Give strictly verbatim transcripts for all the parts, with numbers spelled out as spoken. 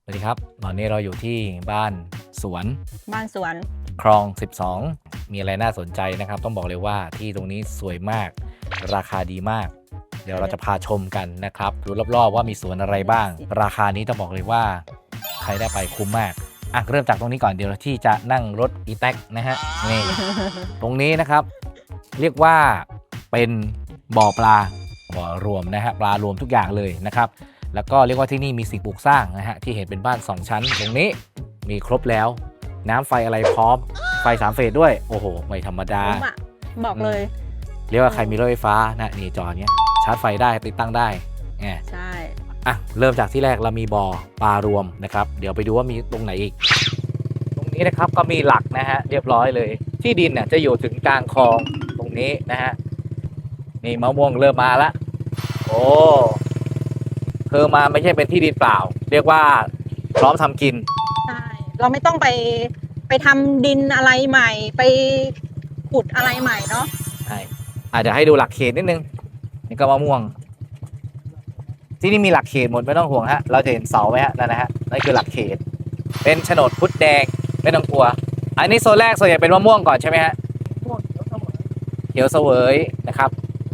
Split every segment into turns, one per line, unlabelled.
สวัสดีครับตอนนี้เราอยู่ที่บ้านสวน
บ้านสวน
คลองสิบสองมีอะไรน่าสนใจนะครับต้องบอกเลยว่าที่ตรงนี้สวยมากราคาดีมากเดี๋ยวเราจะพาชมกันนะครับดูรอบๆว่ามีสวนอะไรบ้างราคานี้ต้องบอกเลยว่าใครได้ไปคุ้มมากอ่ะเริ่มจากตรงนี้ก่อนเดี๋ยวที่จะนั่งรถอีแท็กนะฮะนี่ ตรงนี้นะครับเรียกว่าเป็นบ่อปลาบ่อรวมนะฮะปลารวมทุกอย่างเลยนะครับแล้วก็เรียกว่าที่นี่มีสิ่งปลูกสร้างนะฮะที่เห็นเป็นบ้านสองชั้นตรงนี้มีครบแล้วน้ำไฟอะไรพร้อมไฟสามเฟสด้วยโอ้โหไม่ธรรมดา
บอกเลย
เรียกว่าใครมีรถไฟฟ้านะนี่จอเนี้ยชาร์จไฟได้ติดตั้งได้ไง
ใช่
อ่ะเริ่มจากที่แรกเรามีบ่อปลารวมนะครับเดี๋ยวไปดูว่ามีตรงไหนอีกตรงนี้นะครับก็มีหลักนะฮะเรียบร้อยเลยที่ดินเนี่ยจะอยู่ถึงกลางคลองตรงนี้นะฮะนี่มะม่วงเริ่มมาแล้วโอ้คือมาไม่ใช่เป็นที่ดินเปล่าเรียกว่าพร้อมทำกิน
ใช่เราไม่ต้องไปไปทำดินอะไรใหม่ไปขุดอะไรใหม่เนาะ
ใช่อาจจะให้ดูหลักเขตนิดนึงนี่ก็มะม่วงที่นี่มีหลักเขตหมดไม่ต้องห่วงฮะเราจะเห็นเสาไหมฮะนั่นนะฮะนั่นคือหลักเขตเป็นโฉนดพุทธแดงไม่ต้องกลัวอันนี้โซนแรกส่วนใหญ่เป็นมะม่วงก่อนใช่ไหมฮะเขียวเสวยนะครับ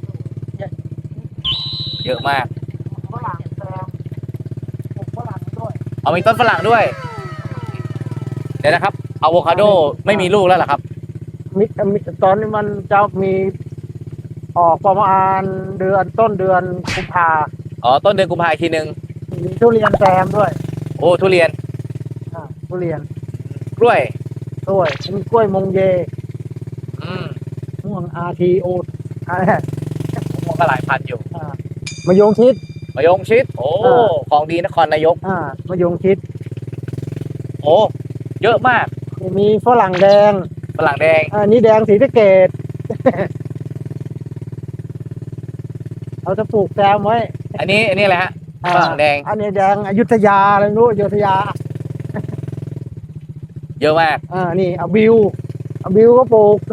เยอะมากเอามีต้นฝรั่งด้วยเดี๋ยวนะครับอะโวคาโดไม่มีลูกแล้วเหรอครับ
มิตอนนี้มันจะมีออกประมาณเดือนต้นเดือนกุมภา
อ๋อต้นเดือนกุมภาพันธ์อีกทีหนึ่ง
มีทุเรียนแซมด้วย
โอ้ทุเรียน
อ่าทุเรียน
กล้วย
กล้วยมีกล้วยมงเย
อืม
ม่วงอาทีโออะไร
ม่วงก็หลายพันอยู่
อ่ามะยงชิด
มะยงชิดโอ้ของดีนครนายก
อ่ามะยงชิด
โอ้เยอะมาก
มีฝรั่งแดง
ฝรั่งแดง
อ่านี่แดงศรีสะเกษเราจะปลูกแซมไว้
อันนี้อันนี้อะไรฮะฝรั่งแดง
อันนี้แดงอยุธยาอะไรรู้อยุธยา
เยอะมาก
อ่านี่เอาบิวเอาบิวก็ปลูก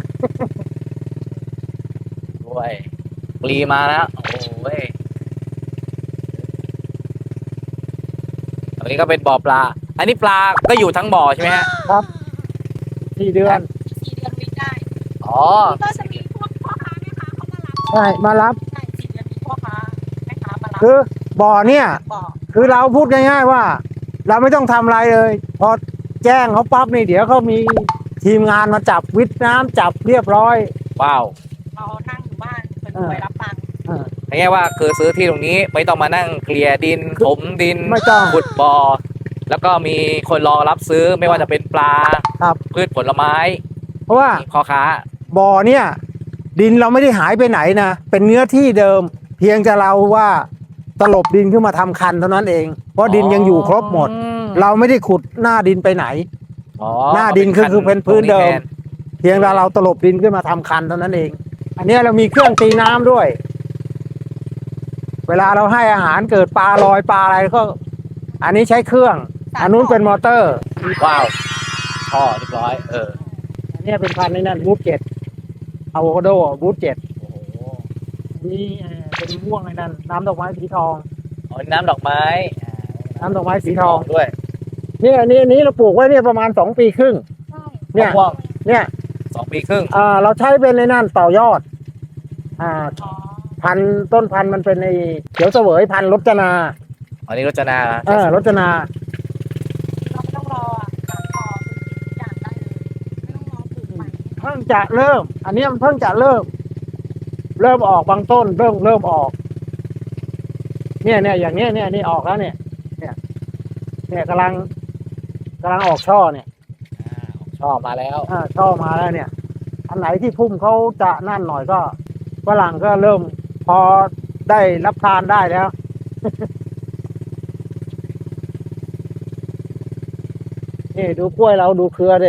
ด้วยปลีมาแล้วโอ้ยอันนี้ก็เป็นบ่อปลาอันนี้ปลาก็อยู่ทั้งบ่อใช่ไหมฮะ
ครับสี่เดือน
สี่เดือนวิ่งได้
อ๋อ
ก็จะมีพวกพ่อค้าแม่ค้าเขามารับ
ใช่มารับ
ใช่สี่เดือนมีพ่อค้าแม่ค้ามารับ
คือบ่อเนี่ยคือเราพูดง่ายๆว่าเราไม่ต้องทำอะไรเลยพอแจ้งเขาปั๊บนี่เดี๋ยวเขามีทีมงานมาจับวิทน้ำจับเรียบร้อย
ว้าว
เรานั่งอยู่บ้านเป็นไปรับตังค์
ง่ายๆว่าคือซื้อที่ตรงนี้ไม่ต้องมานั่งเกลี่ยดินถมดิน
ไม่ต้อง
ขุดบ่อแล้วก็มีคนรอรับซื้อไม่ว่าจะเป็นปลาพืชผลไม้
เพราะว่า
พ่อค้า
บ่อเนี่ยดินเราไม่ได้หายไปไหนนะเป็นเนื้อที่เดิมเพียงจะเราว่าตลบดินขึ้นมาทำคันเท่านั้นเองเพราะดินยังอยู่ครบหมดเราไม่ได้ขุดหน้าดินไปไหนหน้าดินคือคือเป็นพื้นเดิมเพียงแต่เราตลบดินขึ้นมาทำคันเท่านั้นเองอันนี้เรามีเครื่องตีน้ำด้วยเวลาเราให้อาหารเกิดปลาลอยปลาอะไรก็อันนี้ใช้เครื่องอันนู้นเป็นมอเตอร์
ว้าวพ่อเรียบร้อยเออ
อันนี้เป็นพันธุ์ในนั้นบูทเจ็ดอะโวคาโดบูทเจ็ดนี่เป็นม่วงในนั้นน้ำดอกไม้สีทอง
อ๋อน้ำดอกไม้
น้ำดอกไม้สีทอง
ด้วย
เนี่ยอันนี้อันนี้เราปลูกไว้เนี่ยประมาณสองปีครึ่งเนี่ยเนี่ย
สองปีครึ่ง
อ่าเราใช้เป็นในนั่นต่อยอดอ่าพันต้นพันมันเป็นในเขียวเสวยพันรจนา
อันนี้รจนา
เออรจนา
เราไม่ต้องรออ่ะพอทุกอย่างได้เลยไม่ต้องรอปลูกใหม่
เพิ่งจะเริ่มอันนี้มันเพิ่งจะเริ่มเริ่มออกบางต้นเริ่มเริ่มออกเนี่ยเนี่ยอย่างเนี้ยเนี่ยนี่ออกแล้วเนี่ยเนี่ยเนี่ยกำลังกำลังออกช่อเนี่ย
ออกช่อมาแล้ว
อ่าช่อมาแล้วเนี่ยอันไหนที่พุ่มเขาจะนั่นหน่อยก็ฝรั่งก็เริ่มพอได้รับทานได้แล้วนี่ดูกล้วยเราดูเครือดิ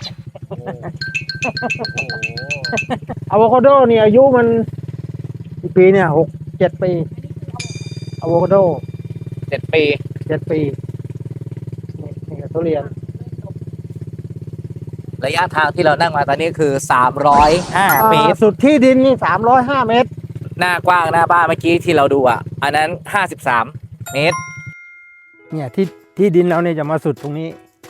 อะโวคาโดเนี่ยอายุมันกี่ปีเนี่ยหกเจ็ดปีอะโวคาโด
เจ็ดปี
เจ็ดปีนี่ทุเรียน
ระยะทางที่เรานั่งมาตอนนี้คือสามร้อยห้าเมตร
สุดที่ดินนี่สามร้อยห้าเมตร
หน้ากว้างหน้าบ้านเมื่อกี้ที่เราดูอ่ะอันนั้นห้าสิบสามเมตร
เนี่ยที่ที่ดินเราเนี่ยจะมาสุดตรงนี้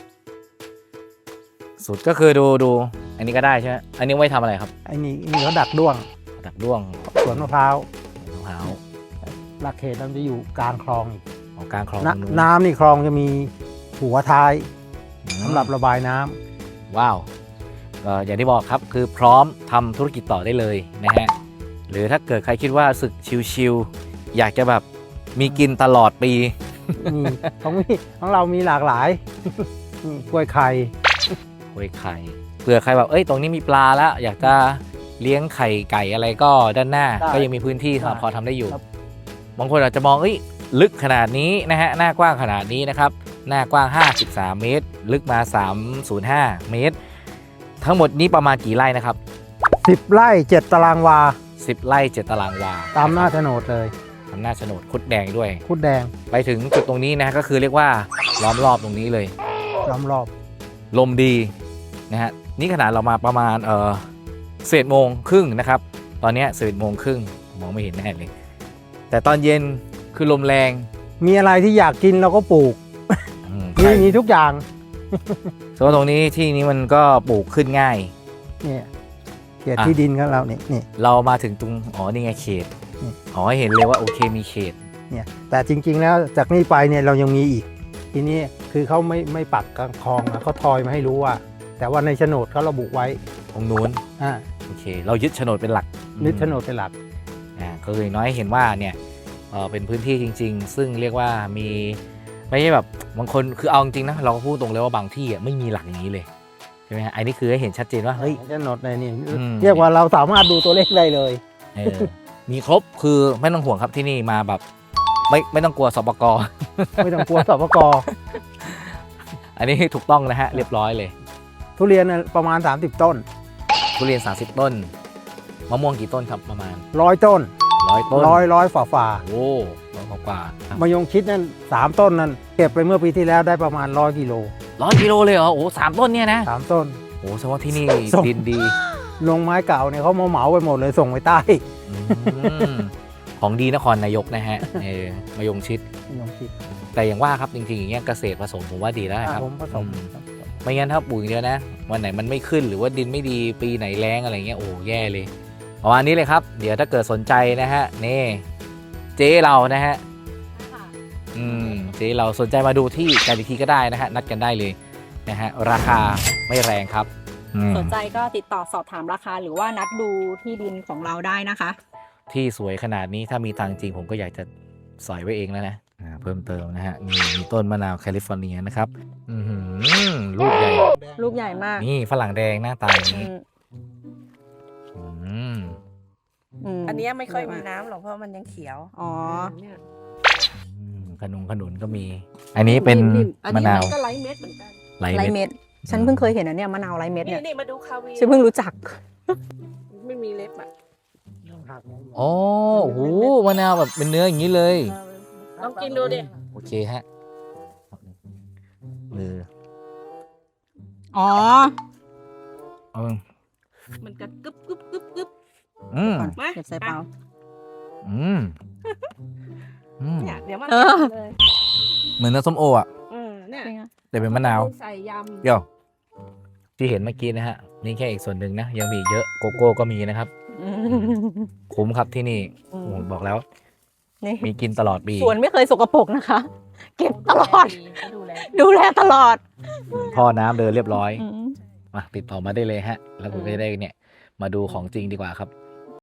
สุดก็คือดูดูอันนี้ก็ได้ใช่ไหมอันนี้ไว้ทำอะไรครับ
ไอ้นี่นี่เขาดักด้วง
ดักด้วง
สวนมะพร้าว
มะพร้าว
หลักเขตมันจะอยู่กลางคลองอีก
ของกลางคลอง
น้
ตรงนู้น
ำน้ำนี่คลองจะมีหัวท้าย
อืม
สำหรับระบายน้ำ
ว้าวเอ่ออย่างที่บอกครับคือพร้อมทำธุรกิจต่อได้เลยนะฮะหรือถ้าเกิดใครคิดว่าสึกชิวๆอยากจะแบบมีกินตลอดปี
มีของมีของเรามีหลากหลาย นี่กล้วยไข่
โอ้ยไข่เผื่อใครแบบเอ้ยตรงนี้มีปลาแล้ว อยากจะเลี้ยงไข่ไก่อะไรก็ด้านหน้า ก็ยังมีพื้นที่สำหรับพอทำได้อยู่ บางคนอาจจะมองเอ้ยลึกขนาดนี้นะฮะหน้ากว้างขนาดนี้นะครับหน้ากว้างห้าสิบสามเมตร ลึกมาสามร้อยห้าเมตร ทั้งหมดนี้ประมาณกี่ไร่นะครับ
สิบไร่เจ็ดตารางวา
สิบไร่เจ็ดตารางวา
ตามหน้าโฉนดเลย
ทำหน้าโฉนดคุดแดงด้วย
คุดแดง
ไปถึงจุดตรงนี้นะฮะก็คือเรียกว่าล้อมรอบตรงนี้เลย
ล้อมรอบ
ลมดีนะฮะนี่ขนาดเรามาประมาณเออเศษโมงครึ่งนะครับ ตอนเนี้ยเศษโมงครึ่งมองไม่เห็นแน่เลย แต่ตอนเย็นคือลมแรง
มีอะไรที่อยากกินเราก็ปลูก
อืม
มีมีทุกอย่าง
ส่วนตรงนี้ที่นี้มันก็ปลูกขึ้นง่าย
เนี่ยเขต
อ่ะ
ที่ดินของเราเนี่ยนี่
เรามาถึงตรงอ๋อนี่ไงเขต
อืม
อ๋อให้เห็นเลยว่าโอเคมีเขต
เนี่ยแต่จริง ๆ แล้วจากนี้ไปเนี่ยเรายังมีอีก ทีนี้คือเขาไม่ไม่ปักกลางคลองนะเขาทอยมาให้รู้ว่า แต่ว่าในโฉนดเขาระบุไว้
ตรงนู้น
อ่า
โอเค เรายึดโฉนดเป็นหลัก
นึกโฉนดเป็นหลัก
อ่าก็คืออย่างน้อยเห็นว่าเนี่ยเออเป็นพื้นที่จริง ๆ ซึ่งเรียกว่ามีไม่ใช่แบบบางคนคือเอาจริงๆนะเราก็พูดตรงเลยว่าบางที่อ่ะไม่มีหลักอย่างนี้เลยใช่ไหมฮะอันนี้คือให้เห็นชัดเจนว่าเฮ้ย
โฉนดในนี่
อืม
เรียกว่าเราสามารถดูตัวเลขได้เลย
เออมีครบคือไม่ต้องห่วงครับที่นี่มาแบบไม่ไม่ต้องกลัวสปก
ไม่ต้องกลัวสปก
อันนี้ถูกต้องนะฮะเรียบร้อยเลย
ทุเรียนน่ะประมาณ สามสิบ ต้น
ทุเรียนสามสิบต้นมะม่วงกี่ต้นครับประมาณ
ร้อยต้น
ร้อยต้น
ร้อยร้อยฝ่าฝ่า
โอ้ร้อยกว่า
ๆมะยงชิดนั่นสามต้นนั่นเก็บไปเมื่อปีที่แล้วได้ประมาณร้อยกิโล
ร้อยกิโลเลยเหรอโอ้สามต้นเนี่ยนะ
สามต้น
โอ้แสดงว่าที่นี่
ส่ง
ดินดี
ลงไม้เก่าเนี่ยเขามาเหมาไปหมดเลยส่งไปใต้
อืมของดีนครนายกนะฮะเออมะยงชิด
มะยงชิด
แต่อย่างว่าครับจริงๆอย่างเงี้ยเกษตรผสมผมว่าดีแล้วนะครับ
ผมผสม
อืไม่งั้นถ้าปลูกอย่างเดียวนะวันไหนมันไม่ขึ้นหรือว่าดินไม่ดีปีไหนแล้งอะไรเงี้ยโอ้แย่เลยประมาณนี้เลยครับ เดี๋ยวถ้าเกิดสนใจนะฮะนี่เจ๊เรานะฮะอืมเจ๊เราสนใจมาดูที่กันอีกทีก็ได้นะฮะนัดกันได้เลยนะฮะราคาไม่แรงครับอืม
สนใจก็ติดต่อสอบถามราคาหรือว่านัดดูที่ดินของเราได้นะคะ
ที่สวยขนาดนี้ถ้ามีตังค์จริงผมก็อยากจะสอยไว้เองแล้วนะอ่าเพิ่มเติมนะฮะมีมีต้นมะนาวแคลิฟอร์เนียนะครับอือหือลูกใหญ่
ลูกใหญ่มาก
นี่ฝรั่งแดงหน้าตาอย่าง
อื
นี้
ม
อืม
ม
อันเนี้ยไม่ค่อยมีน้ำหรอกเพราะมันยังเขียว
อ๋อ
เนี่ย
อืมขนุนขนุนก็มี อันนี้เป็น
อัน
มะ
นี้
นาว
มันก็ไร้เม็ดเหมือนกัน
ไหล
ไร
เม็ด
เม็ด ฉันเพิ่งเคยเห็นอันเนี้ยมะนาวไรเม็ด
นี่
เนี่ย
นี่มาดูคาเวียร์
ฉันเพิ่งรู้จัก
ไม่มีเล็บอ่ะ
โอ้โหมะนาวแบบเป็นเนื้ออย่างนี้เลย
ลองกินดูดิ
โอเคฮะเออ
อ๋อ
เอา
มันก็กึบกึบกึบกึบ
อืม
ก่อน
มา
เก็บใส่เปล่า
อืมอืม
เนี่ยเดี๋ยวมัน
เออ
เลย
เหมือนน้ำส้มโออ่ะ
เออเนี่ย
จริงอะ
แต่เป็นมะนาว
ใส่ยำ
เดี๋ยวที่เห็นเมื่อกี้นะฮะนี่แค่อีกส่วนหนึ่งนะ ยังมีอีกเยอะโกโก้ก็มีนะครับ
อืม
คุ้มครับที่นี่
อืม
โอ้โหบอกแล้ว
นี่
มีกินตลอดปี
สวนไม่เคยสกปรกนะคะ เก็บตลอด
ดูแล
ดูแลตลอด
ท่อน้ำเดินเรียบร้อย
อืม
มาติดต่อมาได้เลยฮะ แล้วคุณก็จะได้เนี่ย มาดูของจริงดีกว่าครับ